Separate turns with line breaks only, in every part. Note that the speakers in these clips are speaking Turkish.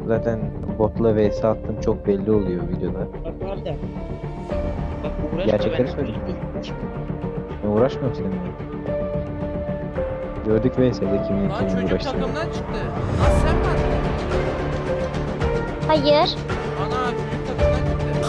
Zaten botla vs attım çok belli oluyor videoda.
Bak Arda. Bak uğraşma
Gerçekleri
benimle.
söyleyeyim. Ben uğraşmıyorum seninle. Gördük vs'de kimin
Lan
kimin
çocuk
uğraştığını.
takımdan çıktı. Lan sen mi attın?
Hayır.
Ana çocuk takımdan çıktı.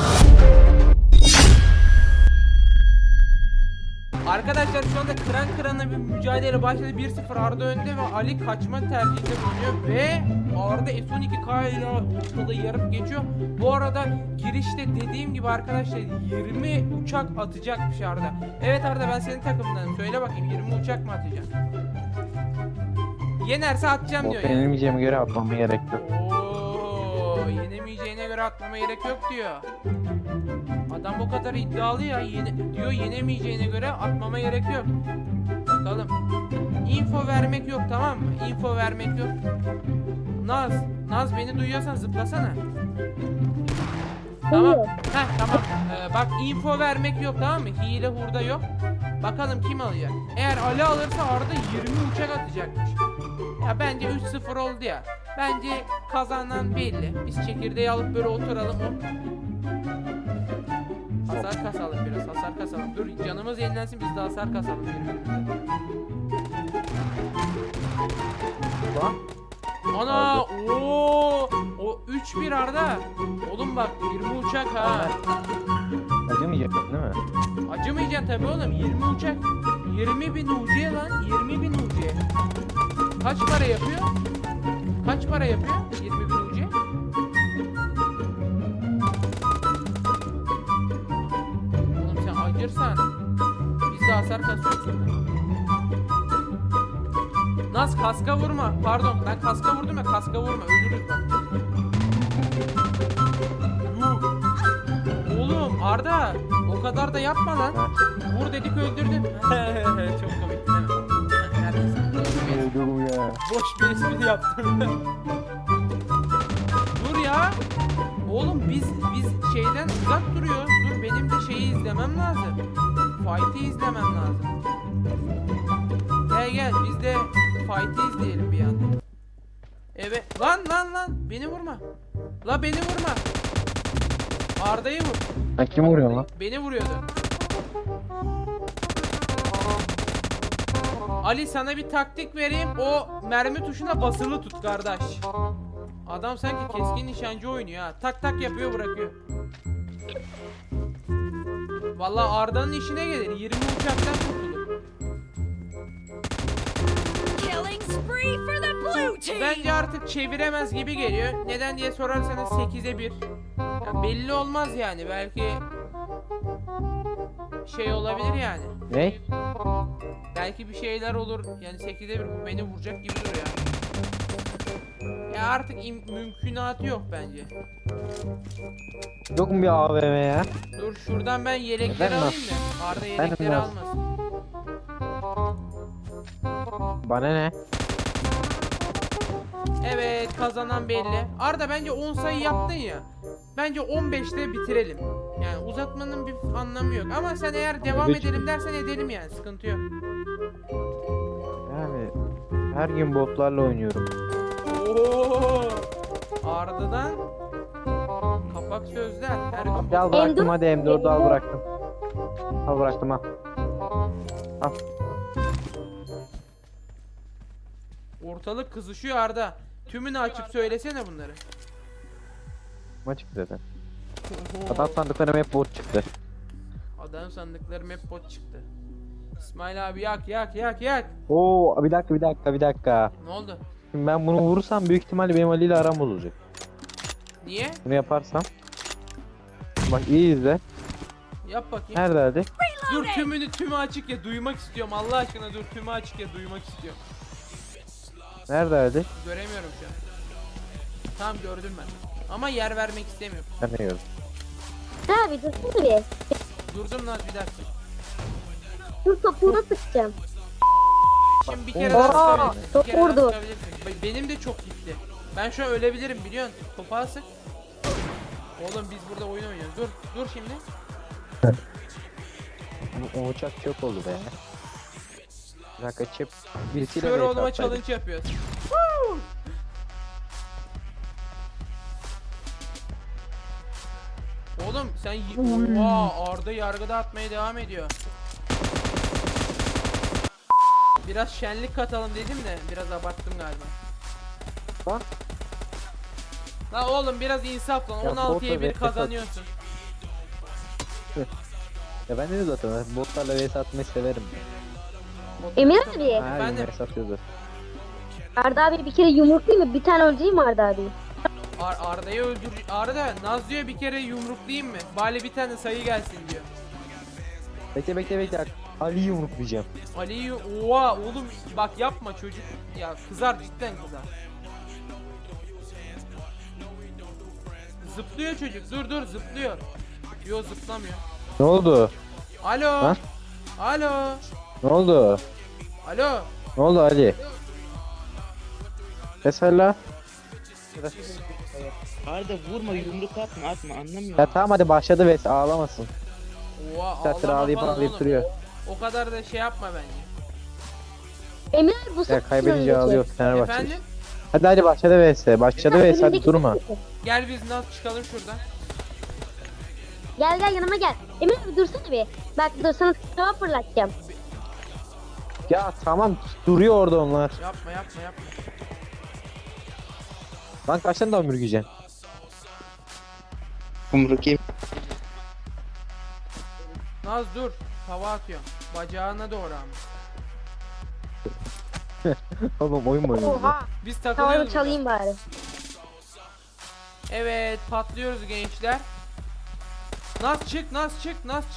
Arkadaşlar şu anda kıran kırana bir mücadele başladı. 1-0 Arda önde ve Ali kaçma tercihinde bulunuyor ve Arda S12K ile ortada yarıp geçiyor. Bu arada girişte dediğim gibi arkadaşlar 20 uçak atacakmış Arda. Evet Arda, ben senin takımındanım. Söyle bakayım, 20 uçak mı atacaksın? Yenerse atacağım diyor
Bot
ya.
yenilmeyeceğime göre atmama gerek yok.
Oo, yenemeyeceğine göre atmama gerek yok diyor. Adam bu kadar iddialı ya, diyor yenemeyeceğine göre atmama gerek yok. Bakalım. Info vermek yok, tamam mı? Info vermek yok. Naz beni duyuyorsan zıplasana. Tamam. Heh, tamam. Bak info vermek yok, tamam mı? Hile hurda yok. Bakalım kim alacak. Eğer Ali alırsa Arda 20 uçak atacakmış. Ya bence 3-0 oldu ya. Bence kazanan belli. Biz çekirdeği alıp böyle oturalım. Hasar kasalım biraz, hasar kasalım. Dur canımız yenilensin, biz de hasar kasalım birbirimize.
Lan.
Ana ooo o 3-1 Arda. Oğlum bak 20 uçak ha.
Acımayacaksın değil mi?
Acımayacaksın tabii oğlum, 20 uçak. 20.000 UC lan, 20.000 UC. Kaç para yapıyor? Kaç para yapıyor 20.000 UC? Oğlum sen acırsan biz de hasar kasıyoruz. Naz kaska vurma. Pardon, ben kaska vurdum ya, kaska vurma, ölürüz bak. Yuh. Oğlum Arda o kadar da yapma lan. Vur dedik öldürdün. Çok komik değil mi? Neredesin?
Öldüm ya.
Boş bir espri yaptım. Dur ya. Oğlum biz şeyden uzak duruyoruz. Dur benim de şeyi izlemem lazım. Fight'i izlemem lazım. Gel biz de fight'i izleyelim bir yandan. Evet. Lan beni vurma. La beni vurma. Arda'yı vur.
Sen kim vuruyorsun lan?
Beni vuruyordu. Ali sana bir taktik vereyim. O mermi tuşuna basılı tut kardeş. Adam sanki keskin nişancı oynuyor ha. Tak tak yapıyor, bırakıyor. Vallahi Arda'nın işine gelir. 20 uçaktan kurtulur.
Killing spree for the blue team.
Bence artık çeviremez gibi geliyor. Neden diye sorarsanız 8'e 1. Ya belli olmaz yani. Belki şey olabilir yani.
Ne?
Belki bir şeyler olur. Yani 8'e 1 bu beni vuracak gibi duruyor yani. Ya artık mümkünatı yok bence.
Yok mu bir AVM ya?
Dur şuradan ben yelekleri
Efendim?
alayım da Arda yelekleri
Efendim?
almasın.
Bana ne?
Evet, kazanan belli. Arda bence 10 sayı yaptın ya. Bence 15'te bitirelim. Yani uzatmanın bir anlamı yok. Ama sen eğer devam
Evet.
edelim dersen edelim yani, sıkıntı yok.
Yani her gün botlarla oynuyorum.
Oo! Arda'dan kapak sözler. Her gün
Al bıraktım hadi M4'ü al bıraktım. Al bıraktım al. Al.
ortalık kızışıyor Arda. Tümünü açıp söylesene bunları.
Maç çıktı zaten. Adam sandıklarım hep bot çıktı.
Adam sandıklarım hep bot çıktı. İsmail abi yak.
Oo bir dakika.
Ne oldu?
Şimdi ben bunu vurursam büyük ihtimalle benim Ali ile aram olacak.
Niye?
Bunu yaparsam. Bak iyi izle.
Yap bakayım.
Nerede hadi?
Dur tümü açık ya, duymak istiyorum. Allah aşkına dur, tümü açık ya, duymak istiyorum.
Nerede hadi?
Göremiyorum şu an. Tamam gördüm ben. Ama yer vermek istemiyorum.
Ben de gördüm.
Abi dursana bir.
Durdum lan bir dakika.
Dur topuğuna sıkacağım.
Şimdi bir kere daha sıkabilirsin. Bir
çok
kere daha
vurdu.
sıkabilirsin. Benim de çok gitti. Ben şu an ölebilirim biliyorsun. Topağı sık. Oğlum biz burada oyun oynuyoruz. Dur şimdi.
O uçak çok oldu be. Bir dakika çip.
Biz
Birisiyle
kör
mi
olma
hesaplaydık?
challenge yapıyoruz. Oğlum sen oha, Arda yargıda atmaya devam ediyor. Biraz şenlik katalım dedim de biraz abarttım galiba.
Lan.
La oğlum biraz insaf lan.
Ya
16'ya 1
botla
kazanıyorsun.
Ya ben dedim zaten ben botlarla vs atmayı severim.
Emir abi.
Her
Efendim?
gün vs atıyoruz.
Arda abi bir kere yumruklayayım mı? Bir tane öldüreyim mi Arda abi?
Arda'yı öldür. Arda Naz diyor bir kere yumruklayayım mı? Bari bir tane sayı gelsin diyor.
Bekle. Ali'yi yumruklayacağım.
Ali'yi oha oğlum bak yapma çocuk. Ya kızar cidden kızar. Zıplıyor çocuk. Dur zıplıyor. Yo zıplamıyor.
Ne oldu?
Alo.
Ha?
Alo.
Ne oldu?
Alo.
Ne oldu Ali? Mesela.
Arda vurma, yumruk atma anlamıyor
Ya
musun?
tamam hadi başladı vs ağlamasın.
Oha
Saattir
ağlama
ağlayıp
falan
ağlayıp
oğlum.
duruyor.
O kadar da şey yapma bence.
Emir abi bu
Ya
sefer
kaybedince
önündeki.
ağlıyor Fenerbahçe.
Efendim?
Hadi başladı vs. Başladı vs hadi
Önündeki
durma.
sefer.
Gel biz Naz çıkalım şuradan.
Gel yanıma gel. Emir abi dursana bir. Bak dur sana tava fırlatacağım.
Ya tamam duruyor orada onlar.
Yapma.
Lan kaç tane daha ömür giyeceksin?
Yumruk yem.
Naz dur. Hava atıyor. Bacağına doğru ama.
Oğlum oyun mu oynuyorsun?
Oha.
Biz
Tavanı
takılıyoruz burada.
çalayım bari.
Evet patlıyoruz gençler. Naz çık.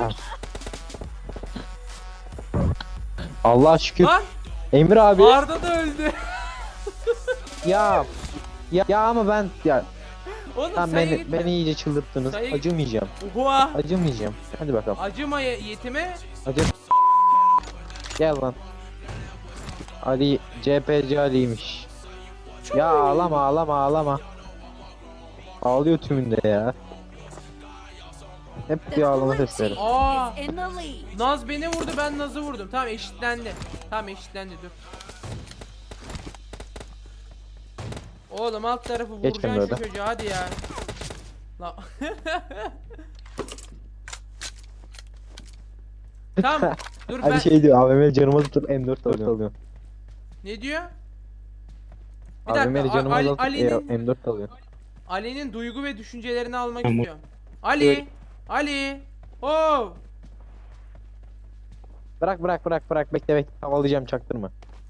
Allah şükür.
Lan
Emir abi.
Arda da öldü.
Ya ama ben ya
Oğlum
tamam
sayı gitme.
beni iyice çıldırttınız.
Sayı-
Acımayacağım.
Oha.
Acımayacağım. Hadi bakalım.
Acıma yetime.
Acı. Gel lan. Ali CPC Ali'ymiş. Ya ağlama. Ağlıyor tümünde ya. Hep
The
bir ağlama
blue
sesleri.
team
Aa.
is in the lead.
Naz beni vurdu ben Naz'ı vurdum. Tamam eşitlendi. Dur. Oğlum alt tarafı
Geç
vuracaksın şu
kenara.
çocuğa hadi ya. La. Tamam. Dur ben.
Ali şey diyor AVM canıma tutup M4 alıyor.
Ne diyor? Bir
AVM
dakika.
canıma tutup
Ali'nin
M4 alıyor.
Ali'nin duygu ve düşüncelerini almak
Tamam.
istiyorum. Ali. Oh.
Bırak bekle havalayacağım çaktırma.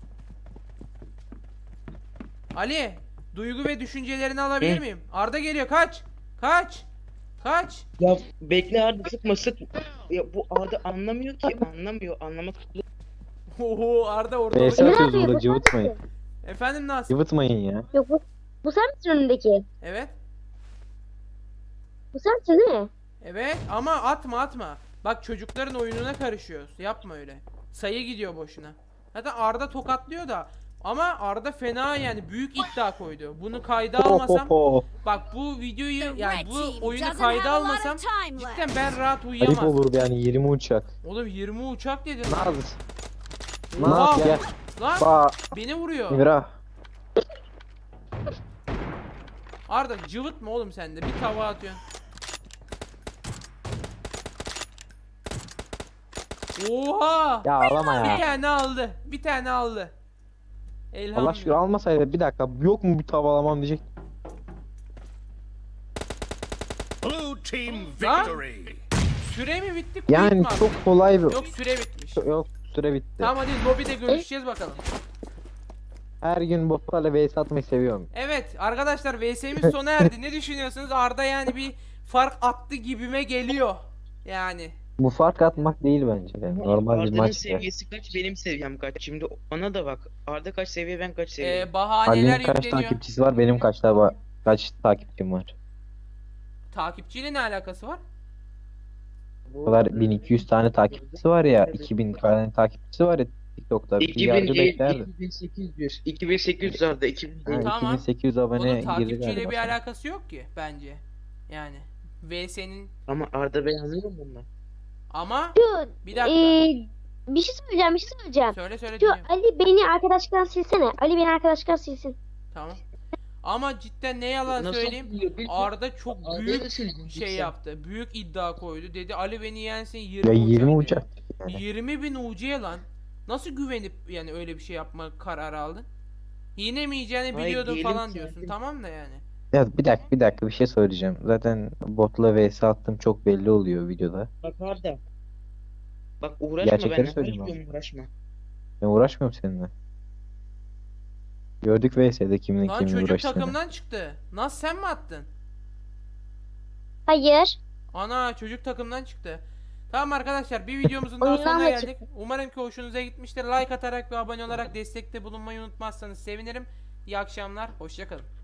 Ali, duygu ve düşüncelerini alabilir miyim? Arda geliyor. Kaç.
Ya bekle Arda, sık. Ya bu Arda anlamıyor ki, anlamak.
Oho Arda orada.
Neyse.
Emir
Atıyoruz
abi
burada,
bu sen
cıvıtmayın.
misin?
Efendim Naz?
Yıvıtmayın ya.
Yok bu sen misin önündeki?
Evet.
Bu sensin değil mi?
Evet ama atma. Bak çocukların oyununa karışıyoruz. Yapma öyle. Sayı gidiyor boşuna. Zaten Arda tokatlıyor da. Ama Arda fena yani büyük iddia koydu. Bunu kayda almasam. Bak bu videoyu
The
yani
red
bu
team
oyunu
doesn't
kayda
have a lot
almasam
of time left.
cidden ben rahat
Ayıp
uyuyamazdım.
olurdu yani 20 uçak.
Oğlum 20 uçak dedin.
Naz.
Oha!
Naz gel.
Lan
Ba
beni vuruyor.
İmra.
Arda cıvıtma oğlum sen de. Bir tava atıyorsun. Oha!
Ya ağlama
Bir
ya.
tane aldı.
Allah şükür
Elhamdülillah.
almasaydı bir dakika yok mu bir tavalamam diyecek.
Blue team
Lan!
victory.
Süre mi bitti? Quick
Yani
mi
çok
attı?
kolay bir...
Yok süre bitmiş.
Yok süre bitti.
Tamam hadi lobide görüşeceğiz bakalım.
Her gün botlarla vs atmayı seviyorum.
Evet arkadaşlar VS'miz sona erdi. Ne düşünüyorsunuz? Arda yani bir fark attı gibime geliyor. Yani.
Bu fark atmak değil bence. Yani normal bir
Arda'nın
maç.
seviyesi kaç, benim seviyem kaç? Şimdi ona da bak. Arda kaç seviye, ben kaç seviye?
Bahaneler
Ali'nin kaç
yükleniyor.
takipçisi var benim kaç takipçim var.
Takipçiyle ne alakası var?
O kadar 1200 tane takipçisi var ya 2000 tane takipçisi var ya TikTok'ta. Bir
2000
yargı
değil,
beklerdi.
2800. 2800 Arda, 2000
Ha,
değil.
Tamam.
2800 abone
Onun
girdi
takipçiyle
galiba.
bir alakası yok ki bence. Yani VS'nin
Ama Arda beğenmiyor mu bunlar?
ama
Şu
bir dakika.
bir şey söyleyeceğim.
Söyle
Şu
dinliyorum.
Ali beni arkadaşlıktan silsene. Ali beni arkadaşlıktan silsin.
Tamam. Ama cidden ne yalan
Nasıl
söyleyeyim,
biliyor?
Arda çok büyük
Arda'yı sildim
şey
cidden.
yaptı. Büyük iddia koydu. Dedi Ali beni yensin
Ya
20
20
uca
uçak
dedi.
yani.
20.000 ucuya lan. Nasıl güvenip yani öyle bir şey yapma kararı aldın? Yine mi yiyeceğini
Ay,
biliyordun
diyelim
falan
ki
diyorsun.
zaten-
Tamam da yani.
Ya bir dakika bir şey söyleyeceğim. Zaten botla vs attım çok belli oluyor videoda.
Bak Arda. Bak uğraşma
Gerçekleri
benimle.
söyleyeyim
Hayır
abi.
diyorum uğraşma.
Ben uğraşmıyorum seninle. Gördük vs'de kimin
Lan
kimin
çocuk
uğraştığını.
takımdan çıktı. Nasıl sen mi attın?
Hayır.
Ana çocuk takımdan çıktı. Tamam arkadaşlar, bir videomuzun daha
Oyundan
sonuna
mı
geldik. Umarım ki hoşunuza gitmiştir. Like atarak ve abone olarak destekte bulunmayı unutmazsanız sevinirim. İyi akşamlar. Hoşça kalın.